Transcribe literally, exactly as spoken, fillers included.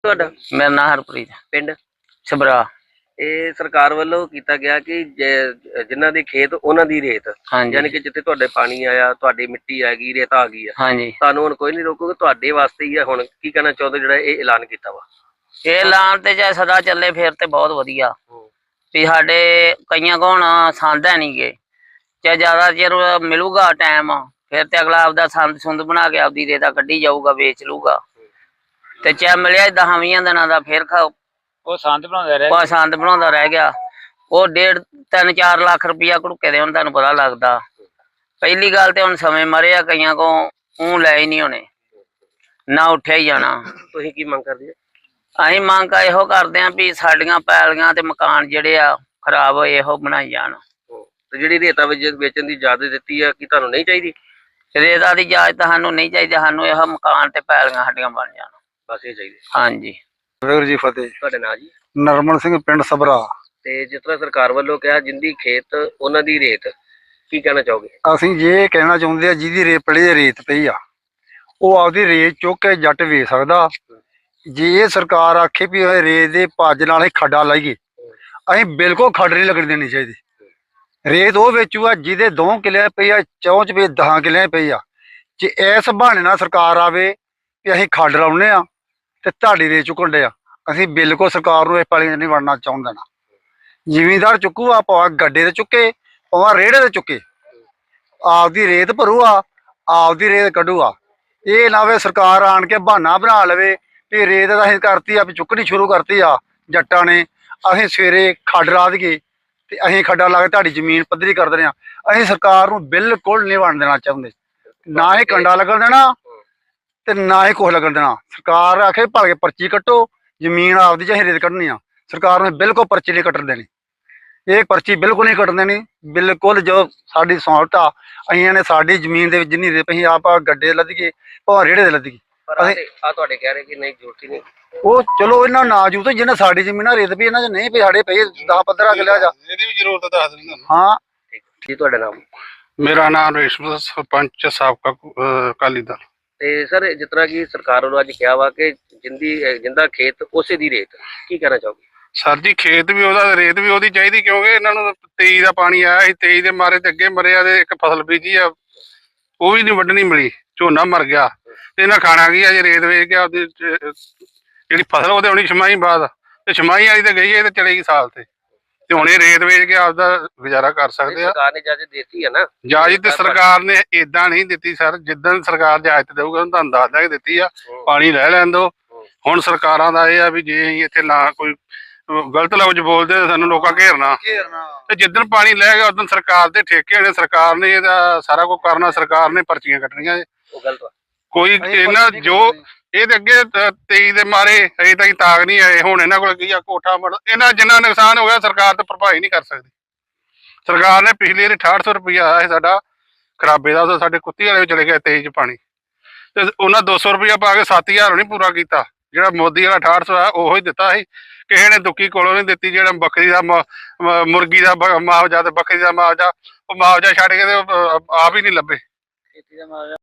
ਤੁਹਾਡਾ? मेरा नाम हरप्रीत ਪਿੰਡ छबरा। ਇਹ ਸਰਕਾਰ ਵੱਲੋਂ ਕੀਤਾ ਗਿਆ ਕਿ ਜ- ਜਿਨ੍ਹਾਂ ਦੇ ਖੇਤ ਉਹਨਾਂ ਦੀ ਰੇਤ, हाँ ਯਾਨੀ जी ਕਿ ਜਿੱਥੇ ਤੁਹਾਡੇ ਪਾਣੀ ਆਇਆ, ਤੁਹਾਡੀ ਮਿੱਟੀ ਆ ਗਈ, ਰੇਤ ਆ ਗਈ ਆ, हाँ जी। ਤੁਹਾਨੂੰ ਹੁਣ ਕੋਈ ਨਹੀਂ ਰੋਕੂਗਾ, ਤੁਹਾਡੇ ਵਾਸਤੇ ਹੀ ਆ। ਹੁਣ ਕੀ ਕਹਿਣਾ ਚਾਹੁੰਦੇ ਜਿਹੜਾ ਇਹ ਐਲਾਨ ਕੀਤਾ ਵਾ? ये ऐलान ते चाहे सदा चले फिर ते बहुत वधिया भी साडे कईयां को हुण संद है नहीं गे, चाहे ज्यादा चिर मिलूगा टाइम फिर ते अगला आपदा संद सुंद बना के आपदी रेता कड्ढी जाऊगा, बेच लूगा। ते चाहे मिलिया दस बीस दिनां दा फिर वो संद बनाउंदा रह गया संद बनाउंदा रह गया। वो डेढ़ तीन चार लाख रुपया घड़ुके दे हुण तुहानूं पता लगदा। पहली गल ते हुण समय मरे आ, कईयां को ऊं लै ही नहीं होने, ना उठिया ही जाना। ਤੁਸੀਂ ਕੀ मंग ਕਰਦੇ? ਅਸੀਂ ਮੰਗ ਇਹੋ ਕਰਦੇ ਆਂ ਵੀ ਸਾਡੀਆਂ ਪੈਲੀਆਂ ਤੇ ਮਕਾਨ ਜਿਹੜੇ ਆ ਖਰਾਬ ਹੋਏ ਇਹੋ ਬਣਾਈ ਜਾਣ। ਤੇ ਜਿਹੜੀ ਰੇਤਾ ਵੇਚਣ ਦੀ ਇਜਾਜ਼ਤ ਦਿੱਤੀ ਆ, ਕੀ ਤੁਹਾਨੂੰ ਨਹੀਂ ਚਾਹੀਦੀ? ਰੇਤਾ ਦੀ ਇਜਾਜ਼ਤ ਸਾਨੂੰ ਨਹੀਂ ਚਾਹੀਦੀ, ਸਾਨੂੰ ਇਹੋ ਮਕਾਨ ਤੇ ਪੈਲੀਆਂ ਸਾਡੀਆਂ ਬਣ ਜਾਣ, ਬਸ ਇਹ ਚਾਹੀਦੀ। ਹਾਂਜੀ। ਵਾਹਿਗੁਰੂ ਜੀ ਫਤਿਹ। ਤੁਹਾਡਾ ਨਾਂ ਜੀ? ਨਰਮਲ ਸਿੰਘ, ਪਿੰਡ ਸਬਰਾ। ਤੇ ਜਿਸ ਤਰ੍ਹਾਂ ਸਰਕਾਰ ਵੱਲੋਂ ਕਿਹਾ ਜਿੰਦੀ ਖੇਤ ਉਹਨਾਂ ਦੀ ਰੇਤ, ਕੀ ਕਹਿਣਾ ਚਾਹੋਗੇ? ਅਸੀਂ ਜੇ ਕਹਿਣਾ ਚਾਹੁੰਦੇ ਆ ਜਿਹਦੀ ਰੇਤ ਪੜੀ ਰੇਤ ਪਈ ਆ ਉਹ ਆਪਦੀ ਰੇਤ ਚੁੱਕ ਕੇ ਜੱਟ ਵੇਚ ਸਕਦਾ। ਜੇ ਇਹ ਸਰਕਾਰ ਆਖੇ ਵੀ ਇਹ ਰੇਤ ਦੇ ਭੱਜ ਨਾਲ ਅਸੀਂ ਖੱਡਾ ਲਾਈਏ, ਅਸੀਂ ਬਿਲਕੁਲ ਖੱਡ ਨਹੀਂ ਲੱਗਣ ਦੇਣੀ ਚਾਹੀਦੀ। ਰੇਤ ਉਹ ਵੇਚੂਗਾ ਜਿਹਦੇ ਦੋ ਕਿੱਲੇ ਪਈ ਆ, ਚੌਂਚ ਵੀ ਦਸਾਂ ਕਿੱਲੇ ਪਈ ਆ। ਜੇ ਇਸ ਬਹਾਨੇ ਨਾਲ ਸਰਕਾਰ ਆਵੇ ਵੀ ਅਸੀਂ ਖੱਡ ਲਾਉਨੇ ਆ ਤੇ ਤੁਹਾਡੀ ਰੇਤ ਚੁੱਕਣ ਦੇ ਆ, ਅਸੀਂ ਬਿਲਕੁਲ ਸਰਕਾਰ ਨੂੰ ਇਸ ਪਾਲੀ ਨਹੀਂ ਵੜਨਾ ਚਾਹੁੰਦੇ ਨਾ। ਜ਼ਿਮੀਂਦਾਰ ਚੁੱਕੂਗਾ, ਭਾਵੇਂ ਗੱਡੇ ਤੇ ਚੁੱਕੇ, ਭਾਵੇਂ ਰੇੜੇ ਤੇ ਚੁੱਕੇ, ਆਪਦੀ ਰੇਤ ਭਰੂਗਾ, ਆਪਦੀ ਰੇਤ ਕੱਢੂਗਾ। ਇਹ ਨਾ ਵੇ ਸਰਕਾਰ ਆਣ ਕੇ ਬਹਾਨਾ ਬਣਾ ਲਵੇ ਵੀ ਰੇਤ ਤਾਂ ਅਸੀਂ ਕਰਤੀ ਆ, ਵੀ ਚੁੱਕਣੀ ਸ਼ੁਰੂ ਕਰਤੀ ਆ ਜੱਟਾਂ ਨੇ, ਅਸੀਂ ਸਵੇਰੇ ਖੱਡ ਲਾ ਦਈਏ ਤੇ ਅਸੀਂ ਖੱਡਾ ਲਾ ਕੇ ਤੁਹਾਡੀ ਜ਼ਮੀਨ ਪੱਧਰੀ ਕਰ ਦਿੰਦੇ ਆ। ਅਸੀਂ ਸਰਕਾਰ ਨੂੰ ਬਿਲਕੁਲ ਨਹੀਂ ਵੰਡ ਦੇਣਾ ਚਾਹੁੰਦੇ, ਨਾ ਹੀ ਕੰਡਾ ਲੱਗਣ ਦੇਣਾ ਤੇ ਨਾ ਹੀ ਕੁਛ ਲੱਗਣ ਦੇਣਾ। ਸਰਕਾਰ ਆਖੇ ਭਲ ਕੇ ਪਰਚੀ ਕੱਟੋ, ਜ਼ਮੀਨ ਆਪਦੀ ਚ ਅਸੀਂ ਰੇਤ ਕੱਢਣੀ ਆ, ਸਰਕਾਰ ਨੇ ਬਿਲਕੁਲ ਪਰਚੀ ਨਹੀਂ ਕੱਟਣ ਦੇਣੀ। ਇਹ ਪਰਚੀ ਬਿਲਕੁਲ ਨਹੀਂ ਕੱਟਣ ਦੇਣੀ। ਬਿਲਕੁਲ ਜੋ ਸਾਡੀ ਸੌਂਟ ਆ, ਅਸੀਂ ਨੇ ਸਾਡੀ ਜ਼ਮੀਨ ਦੇ ਵਿੱਚ ਜਿੰਨੀ ਰੇਤ ਅਸੀਂ ਆਪ ਗੱਡੇ ਲੱਦੀਏ, ਭਾਵੇਂ ਰੇੜੇ ਦੇ ਲੱਦੀਏ। ਆ ਤੁਹਾਡੇ ਕਹਿ ਰਹੇ ਕਿ ਨਹੀਂ ਜ਼ਰੂਰਤ ਹੀ ਨਹੀਂ। ਉਹ ਚਲੋ ਇਹਨਾਂ ਨਾ ਜੂ ਤੇ ਜਿਹਨਾਂ ਸਾਡੀ ਜ਼ਮੀਨਾਂ ਰੇਤ ਪਈ, ਇਹਨਾਂ ਚ ਨਹੀਂ ਪਈ, ਸਾਡੇ ਪਈ ਦਸ ਪੰਦਰਾਂ ਕਿੱਲਿਆਂ ਜਾ, ਇਹਦੀ ਵੀ ਜ਼ਰੂਰਤ ਦੱਸ ਦਿੰਦਾ। ਹਾਂ। ਜੀ ਤੁਹਾਡਾ ਨਾਮ? ਮੇਰਾ ਨਾਮ ਰੇਸ਼ਮ, ਸਰਪੰਚ ਸਾਬਕਾ ਅਕਾਲੀ ਦਲ। ਤੇ ਸਰ ਜਿਸ ਤਰ੍ਹਾਂ ਕਿ ਸਰਕਾਰ ਵੱਲੋਂ ਅੱਜ ਕਿਹਾ ਵਾ ਕਿ ਜਿੰਦੀ ਜਿੰਦਾ ਖੇਤ ਉਸੇ ਦੀ ਰੇਤ, ਕੀ ਕਹਿਣਾ ਚਾਹੋਗੇ? ਸਰ ਜੀ ਖੇਤ ਵੀ ਉਹਦਾ, ਰੇਤ ਵੀ ਉਹਦੀ ਚਾਹੀਦੀ, ਕਿਉਂਕਿ ਇਹਨਾਂ ਨੂੰ ਤੇਈ ਦਾ ਪਾਣੀ ਆਇਆ ਸੀ, ਤੇਈ ਦੇ ਮਾਰੇ ਤੇ ਅੱਗੇ ਮਰਿਆ ਤੇ ਇੱਕ ਫਸਲ ਬੀਜੀ ਆ ਉਹ ਵੀ ਨਹੀਂ ਵੱਢਣੀ ਮਿਲੀ, ਝੋਨਾ ਮਰ ਗਿਆ ਤੇ ਇਹਨਾਂ ਖਾਣਾ ਕੀ ਆ ਜੇ ਰੇਤ ਵੇਚ ਕੇ ਆਪਦੀ ਜਿਹੜੀ ਫਸਲ ਉਹਦੇ ਆਉਣੀ ਛਮਾਈ ਬਾਅਦ, ਤੇ ਛਮਾਈ ਵਾਲੀ ਤੇ ਗਈ ਹੈ ਤੇ ਚਲੇਗੀ ਸਾਲ ਤੇ ਤੇ ਹੁਣ ਇਹ ਰੇਤ ਵੇਚ ਕੇ ਆਪਦਾ ਗੁਜ਼ਾਰਾ ਕਰ ਸਕਦੇ ਆ। ਸਰਕਾਰ ਨੇ ਇਜਾਜ਼ਤ ਦਿੱਤੀ ਹੈ ਨਾ? ਇਜਾਜ਼ਤ ਤੇ ਸਰਕਾਰ ਨੇ ਏਦਾਂ ਨਹੀਂ ਦਿੱਤੀ ਸਰ, ਜਿੱਦਣ ਸਰਕਾਰ ਇਜਾਜ਼ਤ ਦੇਊਗਾ ਤੁਹਾਨੂੰ ਦੱਸ ਦਾਂਗੇ ਦਿੱਤੀ ਆ, ਪਾਣੀ ਲੈ ਲੈਣ ਦੋ। ਹੁਣ ਸਰਕਾਰਾਂ ਦਾ ਇਹ ਆ ਵੀ ਜੇ ਅਸੀਂ ਇੱਥੇ ਨਾ ਕੋਈ ਗਲਤ ਲਫ਼ਜ਼ ਬੋਲਦੇ ਸਾਨੂੰ ਲੋਕਾਂ ਘੇਰਨਾ, ਤੇ ਜਿੱਦਣ ਪਾਣੀ ਲੈ ਗਿਆ ਉਦੋਂ ਸਰਕਾਰ ਦੇ ਠੇਕੇ ਹੋਣੇ, ਸਰਕਾਰ ਨੇ ਇਹਦਾ ਸਾਰਾ ਕੁਝ ਕਰਨਾ, ਸਰਕਾਰ ਨੇ ਪਰਚੀਆਂ ਕੱਟਣੀਆਂ। ਉਹ ਗਲਤ ਵਾ। ਕੋਈ ਇਹਨਾਂ ਜੋ ਇਹਦੇ ਅੱਗੇ ਤੇਈ ਦੇ ਮਾਰੇ ਅਜੇ ਤੱਕ ਤਾਕ ਨਹੀਂ ਆਏ, ਹੁਣ ਇਹਨਾਂ ਕੋਲ ਕੀ ਆ ਕੋਠਾ ਮੜ, ਇਹਨਾਂ ਜਿੰਨਾ ਨੁਕਸਾਨ ਹੋ ਗਿਆ ਸਰਕਾਰ ਤੇ ਭਰਪਾਈ ਨਹੀਂ ਕਰ ਸਕਦੀ। ਸਰਕਾਰ ਨੇ ਪਿਛਲੇ ਵਾਰੀ ਅਠਾਹਠ ਸੌ ਰੁਪਇਆ ਆਇਆ ਸੀ ਸਾਡਾ ਖਰਾਬੇ ਦਾ, ਸਾਡੇ ਕੁੱਤੀ ਵਾਲੇ ਚਲੇ ਗਿਆ ਤੇਈ ਚ ਪਾਣੀ, ਤੇ ਉਹਨਾਂ ਦੋ ਸੌ ਰੁਪਇਆ ਪਾ ਕੇ ਸੱਤ ਹਜ਼ਾਰ ਨਹੀਂ ਪੂਰਾ ਕੀਤਾ। ਜਿਹੜਾ ਮੋਦੀ ਵਾਲਾ ਅਠਾਹਠ ਸੌ ਆ ਉਹੋ ਹੀ ਦਿੱਤਾ ਸੀ, ਕਿਸੇ ਨੇ ਦੁੱਕੀ ਕੋਲੋਂ ਨਹੀਂ ਦਿੱਤੀ। ਜਿਹੜਾ ਬੱਕਰੀ ਦਾ ਮੁਰਗੀ ਦਾ ਮੁਆਵਜ਼ਾ ਤੇ ਬੱਕਰੀ ਦਾ ਮੁਆਵਜ਼ਾ, ਉਹ ਮੁਆਵਜ਼ਾ ਛੱਡ ਕੇ ਤੇ ਆਪ ਹੀ ਨਹੀਂ ਲੱਭੇ।